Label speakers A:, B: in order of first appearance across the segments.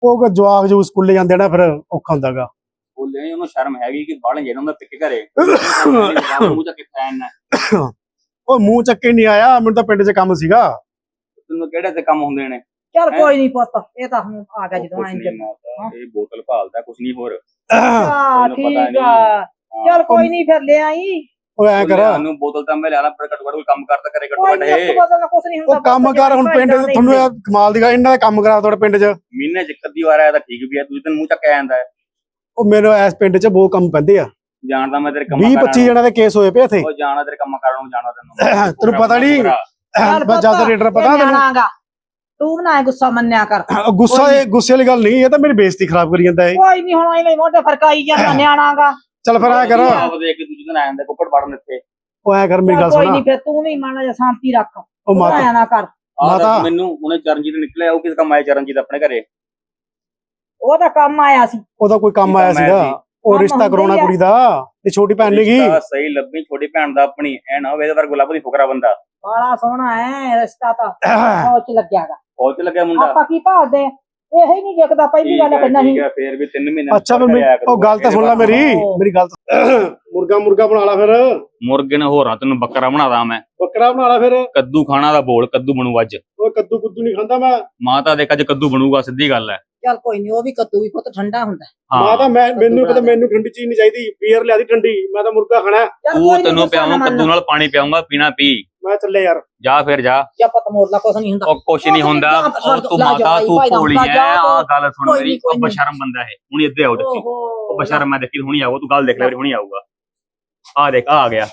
A: ਉਹ ਜਵਾਕ ਜੋ ਸਕੂਲੇ ਜਾਂਦੇ ਨਾ ਫਿਰ ਔਖਾ ਹੁੰਦਾਗਾ।
B: ਬੋਲੇ ਉਹਨੂੰ ਸ਼ਰਮ ਹੈਗੀ ਕਿ ਬਾਹਰ ਜਿਹੜਾ ਹੁੰਦਾ ਪਿੱਕ ਘਰੇ ਮੂੰਹ ਚੱਕ ਕੇ ਫੈਨ
A: ਉਹ ਮੂੰਹ ਚੱਕੇ ਨਹੀਂ ਆਇਆ, ਮੈਨੂੰ ਤਾਂ ਪਿੰਡ 'ਚ ਕੰਮ ਸੀਗਾ।
B: ਤੈਨੂੰ ਕਿਹੜੇ ਤੇ ਕੰਮ ਹੁੰਦੇ ਨੇ?
C: ਚੱਲ ਕੋਈ ਨਹੀਂ ਪੁੱਤ, ਇਹ ਤਾਂ ਹੁਣ ਆ ਗਿਆ ਜਦੋਂ ਆਏਂ
B: ਇਹ ਬੋਤਲ ਭਾਲਦਾ ਕੁਛ ਨਹੀਂ ਹੋਰ।
C: ਠੀਕ ਆ, ਚੱਲ ਕੋਈ ਨਹੀਂ ਫਿਰ ਲੈ ਆਈ।
A: ਉਹ ਐ ਕਰ
B: ਉਹਨੂੰ ਬੋਤਲ ਤਾਂ ਮੈਂ ਲਿਆ ਲਾ, ਪਰ ਘੱਟੋ ਘੱਟ ਕੋਈ ਕੰਮ ਕਰਦਾ ਕਰੇ ਘੱਟੋ ਘੱਟ ਇਹ
C: ਕੁਛ ਨਹੀਂ ਹੁੰਦਾ।
A: ਉਹ ਕੰਮ ਕਰ ਹੁਣ ਪਿੰਡ 'ਚ ਤੁਹਾਨੂੰ ਇਹ ਕਮਾਲ ਦੀ ਗੱਲ, ਇਹਨਾਂ ਦਾ ਕੰਮ ਕਰਾ ਤੁਹਾਡੇ ਪਿੰਡ 'ਚ
B: ਮਹੀਨੇ 'ਚ ਇੱਕ ਅੱਧੀ ਵਾਰ ਆਇਆ ਤਾਂ ਠੀਕ ਵੀ ਆ, ਤੁਸੀਂ ਤੈਨੂੰ ਮੂੰਹ ਚੱਕ ਆ ਜਾਂਦਾ।
A: ਉਹ ਮੇਰੇ ਇਸ ਪਿੰਡ 'ਚ ਬਹੁਤ ਕੰਮ ਪੈਂਦੇ ਆ।
B: ਜਾਣਦਾ ਮੈਂ ਤੇਰੇ ਕੰਮ
A: 20-25 ਜਣਾਂ ਦੇ ਕੇਸ ਹੋਏ ਪਏ ਇੱਥੇ।
B: ਉਹ ਜਾਣਾ ਤੇਰੇ ਕੰਮ ਕਰਨ ਨੂੰ ਜਾਣਾ ਤੈਨੂੰ
A: ਤੈਨੂੰ ਪਤਾ ਨਹੀਂ ਜਿਆਦਾ ਰੇਡਰ ਪਤਾ ਤੈਨੂੰ।
C: ਤੂੰ ਨਾ ਗੁੱਸਾ ਮੰਨਿਆ ਕਰ।
A: ਗੁੱਸੇ ਵਾਲੀ ਗੱਲ ਨਹੀਂ, ਇਹ ਤਾਂ ਮੇਰੀ ਬੇਇੱਜ਼ਤੀ ਖਰਾਬ ਕਰੀ ਜਾਂਦਾ ਹੈ।
C: ਕੋਈ ਨਹੀਂ ਹੁਣ ਐਵੇਂ ਮੋਢੇ ਫਰਕਾਈ ਜਾਂਦਾ ਨਿਆਣਾਗਾ।
A: ਚੱਲ ਫਿਰ ਐ ਕਰ
B: ਦੇਖ ਕੇ ਦੂਜੇ ਦਿਨ ਆ ਜਾਂਦਾ ਕੁੱਪੜ ਵੜਨ ਇੱਥੇ।
A: ਉਹ ਐ ਕਰ ਮੇਰੀ ਗੱਲ ਸੁਣ।
C: ਕੋਈ ਨਹੀਂ ਫਿਰ ਤੂੰ ਵੀ ਮਾੜਾ ਜਿਹਾ ਸ਼ਾਂਤੀ ਰੱਖ।
A: ਉਹ ਮਾਤਾ
C: ਨਾ ਕਰ
A: ਮਾਤਾ
B: ਮੈਨੂੰ ਉਹਨੇ ਚਰਨਜੀਤ ਨਿਕਲਿਆ, ਉਹ ਕਿਸ ਕੰਮ ਆਇਆ ਚਰਨਜੀਤ ਆਪਣੇ ਘਰੇ?
C: ਉਹਦਾ ਕੰਮ ਆਇਆ ਸੀ।
A: ਉਹਦਾ ਕੋਈ ਕੰਮ ਆਇਆ ਸੀਗਾ, ਉਹ ਰਿਸ਼ਤਾ ਕਰਾਉਣਾ ਕੁੜੀ ਦਾ। ਇਹ ਛੋਟੀ ਭੈਣ ਨੀਗੀ
B: ਸਹੀ ਲੱਭੀ, ਛੋਟੀ ਭੈਣ ਦਾ ਆਪਣੀ। ਐ ਨਾ ਹੋਵੇ ਇਹਦੇ ਵਰ ਗੁਲਾਬ ਦੀ ਫੁਕਰਾ ਬੰਦਾ।
C: ਬੜਾ ਸੋਹਣਾ ਹੈ ਰਿਸ਼ਤਾ ਤਾਂ ਸੋਚ ਲੱਗਿਆਗਾ।
B: ਬਹੁਤ ਚ ਲੱਗਿਆ ਮੁੰਡਾ।
C: ਆਪਾਂ ਕੀ ਭਾਲਦੇ ਇਹ ਹੀ ਨਹੀਂ ਦੇਖਦਾ। ਪਹਿਲੀ ਗੱਲ ਕਰਨਾ ਸੀ।
B: ਫੇਰ ਵੀ 3 ਮਹੀਨੇ
A: ਅੱਛਾ ਉਹ ਗੱਲ ਤਾਂ ਸੁਣ ਲੈ ਮੇਰੀ ਗੱਲ। ਮੁਰਗਾ ਬਣਾ ਲਾ ਫਿਰ।
B: ਮੁਰਗੇ ਨੇ ਹੋਰਾਂ ਤੈਨੂੰ ਬੱਕਰਾ ਬਣਾਦਾ ਮੈਂ।
A: ਬੱਕਰਾ ਬਣਾ ਲਾ ਫਿਰ।
B: ਕੱਦੂ ਖਾਣਾ ਦਾ ਬੋਲ, ਕੱਦੂ ਬਣੂ ਅੱਜ।
A: ਓਏ ਕੱਦੂ ਕੁੱਦੂ ਨਹੀਂ ਖਾਂਦਾ ਮੈਂ।
B: ਮਾਤਾ ਦੇਖ ਅੱਜ ਕੱਦੂ ਬਣੂਗਾ, ਸਿੱਧੀ ਗੱਲ ਹੈ।
C: ਚੱਲ ਕੋਈ ਨਹੀਂ, ਉਹ ਵੀ ਕੱਦੂ ਵੀ ਪੁੱਤ ਠੰਡਾ ਹੁੰਦਾ।
A: ਮਾਤਾ ਮੈਨੂੰ ਪਤਾ, ਮੈਨੂੰ ਠੰਡੀ ਚੀਜ਼ ਨਹੀਂ ਚਾਹੀਦੀ। ਬੀਅਰ ਲਿਆ ਦੀ ਠੰਡੀ, ਮੈਂ ਤਾਂ ਮੁਰਗਾ ਖਾਣਾ।
B: ਉਹ ਤੈਨੂੰ ਪਿਆਵਾਂ, ਕੱਦੂ ਨਾਲ ਪਾਣੀ ਪਿਆਉਂਗਾ, ਪੀਣਾ ਪੀ।
A: ਮੈਂ ਚੱਲੇ ਯਾਰ।
B: ਜਾ ਫਿਰ ਜਾ।
C: ਜਾਂ ਪਤ ਮੋਰਲਾ ਕੁਛ ਨਹੀਂ ਹੁੰਦਾ।
B: ਉਹ ਕੁਛ ਨਹੀਂ ਹੁੰਦਾ। ਤੂੰ ਮਾਤਾ ਤੂੰ ਭੋਲੀ ਐ। ਆਹ ਗੱਲ ਸੁਣ ਮੇਰੀ, ਉਹ ਬਸ਼ਰਮ ਬੰਦਾ ਹੈ। ਹੁਣੀ ਇੱਥੇ ਆਓ ਦੇਖੀ। ਉਹ ਬਸ਼ਰਮ ਮੈਂ ਦੇਖੀ ਹੁਣੀ ਆਊਗਾ, ਤੂੰ ਗੱਲ ਦੇਖ ਲੈ ਹੁਣੀ ਆਊਗਾ। ਆ ਦੇਖ ਆ ਗਿਆ,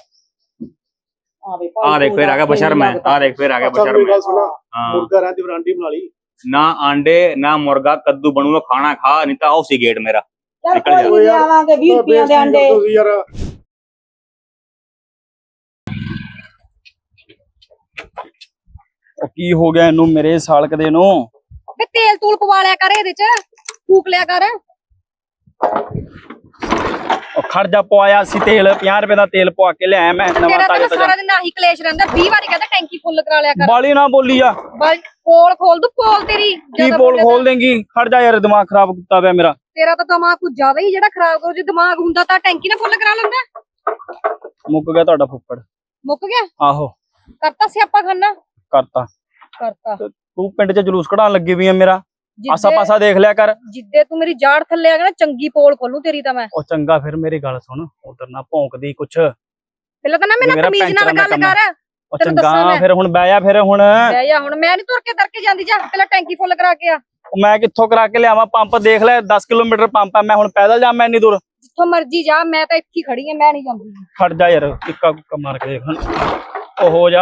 B: ਆ ਦੇਖ ਫਿਰ ਆ ਗਿਆ ਬਸ਼ਰਮ ਹੈ। ਆ ਦੇਖ ਫਿਰ ਆ ਗਿਆ ਬਸ਼ਰਮ।
A: ਮੁਰਗਾ ਰਹਿੰਦੀ ਬਰਾਂਡੀ ਬਣਾ ਲਈ।
B: ਨਾ ਆਂਡੇ ਨਾ ਮੁਰਗਾ, ਕੱਦੂ ਬਣੂਗਾ, ਖਾਣਾ ਖਾ, ਨਹੀਂ ਤਾਂ ਆਓ ਸੀ ਗੇਟ ਮੇਰਾ।
C: ਚੱਲ ਕੋਈ ਨਹੀਂ ਆਵਾਂਗੇ 20 ਰੁਪਏ ਦੇ ਅੰਡੇ।
A: ਯਾਰ
D: ਕੀ ਹੋ ਗਿਆ ਇਹਨੂੰ ਮੇਰੇ ਸਾਲਕ ਦੇ ਨੂੰ?
E: ਵੇ ਤੇਲ ਤੂਲ ਪਵਾ ਲਿਆ ਕਰ, ਇਹਦੇ ਚ ਫੂਕ ਲਿਆ ਕਰ।
D: ਉਹ ਖਰਜਾ ਪਵਾਇਆ ਸੀ ਤੇਲ, 50 ਰੁਪਏ ਦਾ ਤੇਲ ਪਵਾ ਕੇ ਲਿਆਇਆ ਮੈਂ ਨਵਾਂ
E: ਤੇਰਾ
D: ਤਾਜ਼ਾ
E: ਤਾਂ ਸਾਰਾ ਦਿਨ ਆਹੀ ਕਲੇਸ਼ ਰਹਿੰਦਾ। 20 ਵਾਰੀ ਕਹਿੰਦਾ ਟੈਂਕੀ ਫੁੱਲ ਕਰਾ ਲਿਆ ਕਰ।
D: ਬਾਲੀ ਨਾ ਬੋਲੀ ਆ।
E: ਪੋਲ ਖੋਲ ਦੂ, ਪੋਲ ਤੇਰੀ
D: ਕੀ ਪੋਲ ਖੋਲ ਦੇਂਗੀ? ਖਰਜਾ ਯਾਰ, ਦਿਮਾਗ ਖਰਾਬ ਕੀਤਾ ਪਿਆ ਮੇਰਾ।
E: ਤੇਰਾ ਤਾਂ ਦਿਮਾਗ ਕੁਝ ਜ਼ਿਆਦਾ ਹੀ ਜਿਹੜਾ ਖਰਾਬ ਕਰੂ। ਜੇ ਦਿਮਾਗ ਹੁੰਦਾ ਤਾਂ ਟੈਂਕੀ ਨਾ ਫੁੱਲ ਕਰਾ ਲੈਂਦਾ।
D: ਮੁੱਕ ਗਿਆ ਤੁਹਾਡਾ ਫੁੱਫੜ।
E: ਮੁੱਕ ਗਿਆ?
D: ਆਹੋ
E: ਕਰਤਾ ਸਿਆਪਾ ਖਾਨਾ
D: ਕਰਤਾ। ਤੂੰ ਪਿੰਡ 'ਚ ਜਲੂਸ ਕਢਾਉਣ ਲੱਗੀ ਵੀ ਆ ਮੇਰਾ। ਆਸਾ ਪਾਸਾ ਦੇਖ ਲਿਆ ਕਰ।
E: ਜਿੱਦੇ ਤੂੰ ਮੇਰੀ ਜਾੜ ਥੱਲੇ ਆ ਗਿਆ ਨਾ, ਚੰਗੀ ਪੋਲ ਖੋਲੂ ਤੇਰੀ ਤਾਂ ਮੈਂ।
D: ਉਹ ਚੰਗਾ ਫਿਰ ਮੇਰੀ ਗੱਲ ਸੁਣ, ਉਧਰ ਨਾ ਭੌਂਕਦੀ ਕੁਛ।
E: ਪਹਿਲਾਂ ਤਾਂ ਨਾ ਮੇਰੇ ਨਾਲ ਤਮੀਜ਼ ਨਾਲ ਗੱਲ ਕਰ।
D: ਉਹ ਚੰਗਾ ਫਿਰ ਹੁਣ ਬਹਿ ਜਾ। ਫਿਰ ਹੁਣ
E: ਬਹਿ ਜਾ। ਹੁਣ ਮੈਂ ਨਹੀਂ ਤੁਰ ਕੇ ਦਰ ਕੇ ਜਾਂਦੀ। ਜਾ ਪਹਿਲਾਂ ਟੈਂਕੀ ਫੁੱਲ ਕਰਾ ਕੇ ਆ।
D: ਮੈਂ ਕਿੱਥੋਂ ਕਰਾ ਕੇ ਲਿਆਵਾਂ? ਪੰਪ ਦੇਖ ਲੈ, 10 ਕਿਲੋਮੀਟਰ ਪੰਪ ਆ। ਮੈਂ ਹੁਣ ਪੈਦਲ ਜਾਵਾਂ ਇੰਨੀ ਦੂਰ?
E: ਜਿੱਥੋਂ ਮਰਜੀ ਜਾ, ਮੈਂ ਤਾਂ ਇੱਥੇ ਖੜੀ ਆ, ਮੈਂ ਨਹੀਂ ਜਾਂਦੀ।
D: ਖੜ ਜਾ ਯਾਰ, ਟਿੱਕਾ ਕੁੱਕਾ ਮਾਰ ਕੇ ਦੇਖ। ਉਹ ਹੋ ਜਾ।